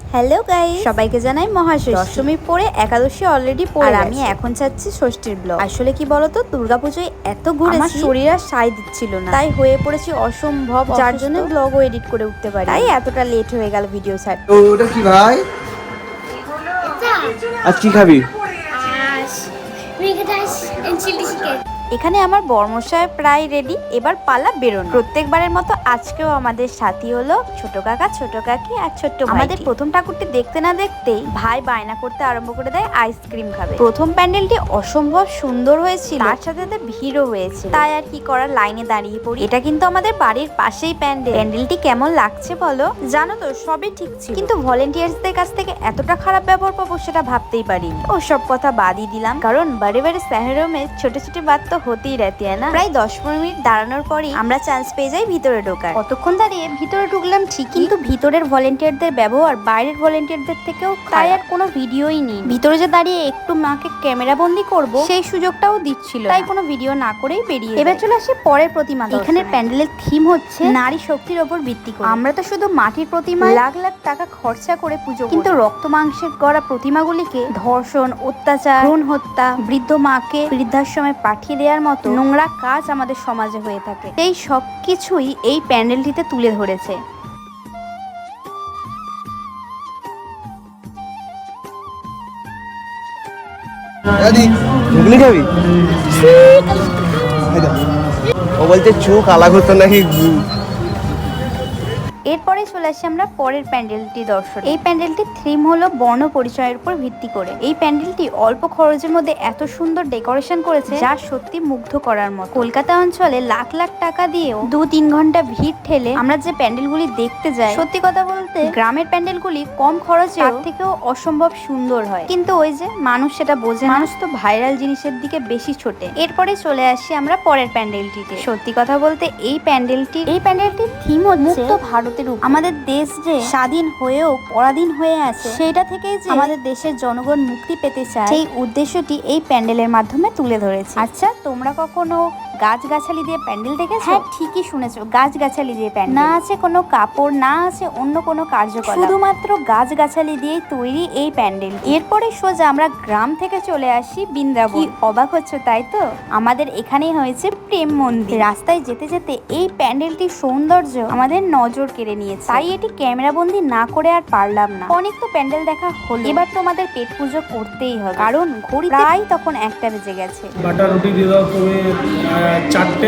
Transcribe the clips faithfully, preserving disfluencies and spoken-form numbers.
Hello guys, সবাইকে জানাই মহাষষ্ঠী। দশমী পরে একাদশী অলরেডি পড়ে, আর আমি এখন চাচ্ছি ষষ্ঠীর ব্লগ। আসলে কি বলতো, দুর্গাপুজোয় এত ঘুরেছি আমার শরীর আর সায় দিচ্ছিল না, তাই হয়ে পড়েছি অসম্ভব, যার জন্য ব্লগও এডিট করে উঠতে পারি, তাই এতটা লেট হয়ে গেল ভিডিও ছাড়তে। তো ওটা কি ভাই? আজ কি খাবি? এখানে আমার বর্মশায় প্রায় রেডি, এবার পালা বেরোনো। প্রত্যেকবারের মতো আজকেও আমাদের সাথী হলো ছোট কাকা, ছোট কাকি আর ছোট্ট ভাই। আমাদের প্রথম ঠাকুরটি দেখতে না দেখতেই ভাই বায়না করতে আরম্ভ করে দেয় আইসক্রিম খাবে। প্রথম প্যান্ডেলটি অসম্ভব সুন্দর হয়েছিল, তার সাথে সাথে ভিড়ও হয়েছে, তাই আর কি করার, লাইনে দাঁড়িয়ে পড়ি। এটা কিন্তু আমাদের বাড়ির পাশেই প্যান্ডেল। প্যান্ডেলটি কেমন লাগছে বলো? জানো তো, সবই ঠিক ছিল, কিন্তু ভলেন্টিয়ার্সদের কাছ থেকে এতটা খারাপ ব্যবহার পাবো সেটা ভাবতেই পারিনি। ও সব কথা বাদই দিলাম, কারণ বাড়ি বাড়ি শহরের মে ছোট ছোট বাদ তো হতেই रहती है না। প্রায় দশ পনেরো মিনিট দাঁড়ানোর পরই আমরা চান্স পেয়ে যাই ভিতরে ঢোকার। কতক্ষণ দাঁড়িয়ে ভিতরে ঢুকলাম ঠিক, কিন্তু ভিতরের ভলেন্টিয়ারদের ব্যবহার বাইরের ভলেন্টিয়ারদের থেকেও, তাই আর কোনো ভিডিওই নেই। ভিতরে যে দাঁড়িয়ে একটু মাকে ক্যামেরা বন্দি করব সেই সুযোগটাও দিচ্ছিল, তাই কোনো ভিডিও না করেই বেরিয়ে। এবার চলে আসি পরের প্রতিমা। এখানে প্যান্ডেলের থিম হচ্ছে নারী শক্তির ওপর ভিত্তি করে। আমরা তো শুধু মাটির প্রতিমা লাখ লাখ টাকা খরচা করে পুজো, কিন্তু রক্ত মাংসের গড়া প্রতিমাগুলিকে ধর্ষণ, অত্যাচার, ভ্রূণ হত্যা, বৃদ্ধ মাকে বৃদ্ধাশ্রমে পাঠিয়ে দেওয়ার মতো নোংরা কাজ আমাদের সমাজে হয়ে থাকে। এই সব কিছুই এই প্যান্ডেলটিতে তুলে ধরেছে। ঘুগনি খাবি? ও বলছে চোখ আলাগ হতো নাকি। এরপরে চলে আসি আমরা পরের প্যান্ডেলটি দর্শন। এই প্যান্ডেলটির থিম হলো বর্ণ পরিচয়ের উপর ভিত্তি করে। এই প্যান্ডেলটি অল্প খরচের মধ্যে এত সুন্দর ডেকোরেশন করেছে যা সত্যি মুগ্ধ করার মতো। কলকাতা অঞ্চলে লাখ লাখ টাকা দিয়েও দু তিন ঘন্টা ভিড় ঠেলে আমরা যে প্যান্ডেলগুলি দেখতে যাই, সত্যি কথা বলতে গ্রামের প্যান্ডেলগুলি কম খরচে তার থেকেও অসম্ভব সুন্দর হয়, কিন্তু ওই যে মানুষ সেটা বোঝে। মানুষ তো ভাইরাল জিনিসের দিকে বেশি ছোটে। এরপরে চলে আসি আমরা পরের প্যান্ডেলটিতে। সত্যি কথা বলতে এই প্যান্ডেলটি এই প্যান্ডেলটির থিম হচ্ছে মুক্ত ভারত। আমাদের দেশ যে স্বাধীন হয়েও পরাধীন হয়ে আছে, সেটা থেকেই যে আমাদের দেশের জনগণ মুক্তি পেতে চায়, সেই উদ্দেশ্যটি এই প্যান্ডেলের মাধ্যমে তুলে ধরেছে। আচ্ছা, তোমরা কখনো গাছগাছালি দিয়ে প্যান্ডেল দেখেছো? হ্যাঁ, ঠিকই শুনেছো, গাছগাছালি দিয়ে প্যান্ডেল। না আছে কোনো কাপড়, না আছে অন্য কোনো কার্যকলাপ, শুধুমাত্র গাছগাছালি দিয়ে তৈরি এই প্যান্ডেল। এরপরে সোজা আমরা গ্রাম থেকে চলে আসি বৃন্দাবন। কি অবাক হচ্ছে তাই তো? আমাদের এখানেই হয়েছে প্রেম মন্দির। রাস্তায় যেতে যেতে এই প্যান্ডেলটির সৌন্দর্য আমাদের নজর কেড়ে নিয়েছে, তাই এটি ক্যামেরা বন্দি না করে আর পারলাম না। অনেক তো প্যান্ডেল দেখা হলো, এবার তোমাদের পেট পুজো করতেই হবে, কারণ ঘড়ি প্রায় তখন একটা বেজে গেছে। বাটার রুটি দিয়ে দাও তুমি চারটে,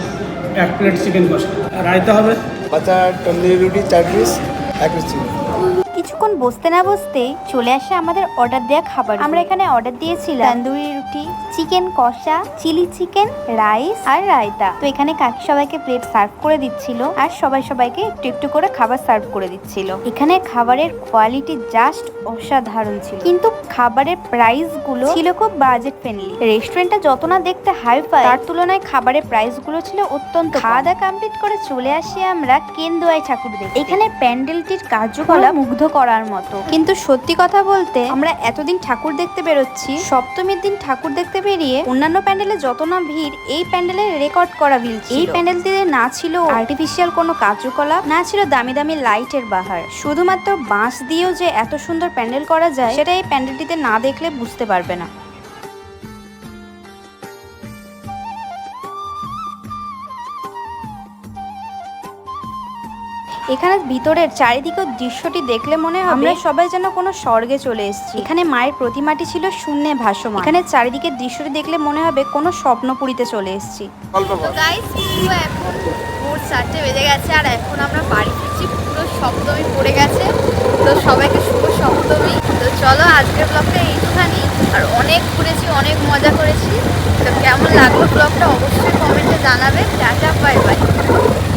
এক প্লেট চিকেন কষা, রায়তা হবে, বাটার তন্দুরি রুটি চার পিস, এক পিস চিকেন। কিছুক্ষণ বসতে না বসতেই চলে আসে আমাদের অর্ডার দেওয়া খাবার। আমরা এখানে অর্ডার দিয়েছিলাম তন্দুরি রুটি, চিকেন কষা, চিলি চিকেন, রাইস আর রায়তা। তো এখানে কাকি সবাইকে প্লেট সার্ভ করে দিচ্ছিল, আর সবাই সবাইকে একটু একটু করে খাবার সার্ভ করে দিচ্ছিল। এখানে খাবারের কোয়ালিটি জাস্ট অসাধারণ ছিল, কিন্তু খাবারের প্রাইস গুলো ছিল খুব বাজেট ফ্রেন্ডলি। রেস্টুরেন্টটা যত না দেখতে হাই ফাই, তার তুলনায় খাবারের প্রাইস গুলো ছিল অত্যন্ত। খাওয়া দাওয়া কমপ্লিট করে চলে আসি আমরা কেন্দুয়াই ঠাকুর দেখতে। এখানে প্যান্ডেলটির কার্যকলাপ মুগ্ধ করার মতো, কিন্তু সত্যি কথা বলতে আমরা এতদিন ঠাকুর দেখতে বেরোচ্ছি, সপ্তমীর দিন ঠাকুর দেখতে বেরিয়ে অন্যান্য প্যান্ডেলে যত না ভিড়, এই প্যান্ডেলে রেকর্ড করা ভিড়। এই প্যান্ডেলটিতে না ছিল আর্টিফিশিয়াল কোনো কার্যকলাপ, না ছিল দামি দামি লাইটের বাহার, শুধুমাত্র বাঁশ দিয়েও যে এত সুন্দর প্যান্ডেল করা যায় সেটা এই প্যান্ডেলটিতে না দেখলে বুঝতে পারবে না। এখানে ভিতরের চারিদিকের দৃশ্যটি দেখলে মনে হবে আমরা সবাই যেন কোনো স্বর্গে চলে এসেছি। এখানে মায়ের প্রতিমাটি ছিল শূন্যে ভাসমান। এখানে চারিদিকের দৃশ্যটি দেখলে মনে হবে কোনো স্বপ্নপুরীতে চলে এসেছি। গাইস, পুরো এখন ভোর চারটে বেজে গেছে, আর এখন আমরা বাড়ি ফিরছি। পুরো সপ্তমী পড়ে গেছে, তো সবাইকে শুভ সপ্তমী। তো চলো আজকের ব্লগটা এইখানেই, আর অনেক ঘুরেছি, অনেক মজা করেছি। তো কেমন লাগলো ব্লগটা অবশ্যই কমেন্টে জানাবে। Tata, bye by.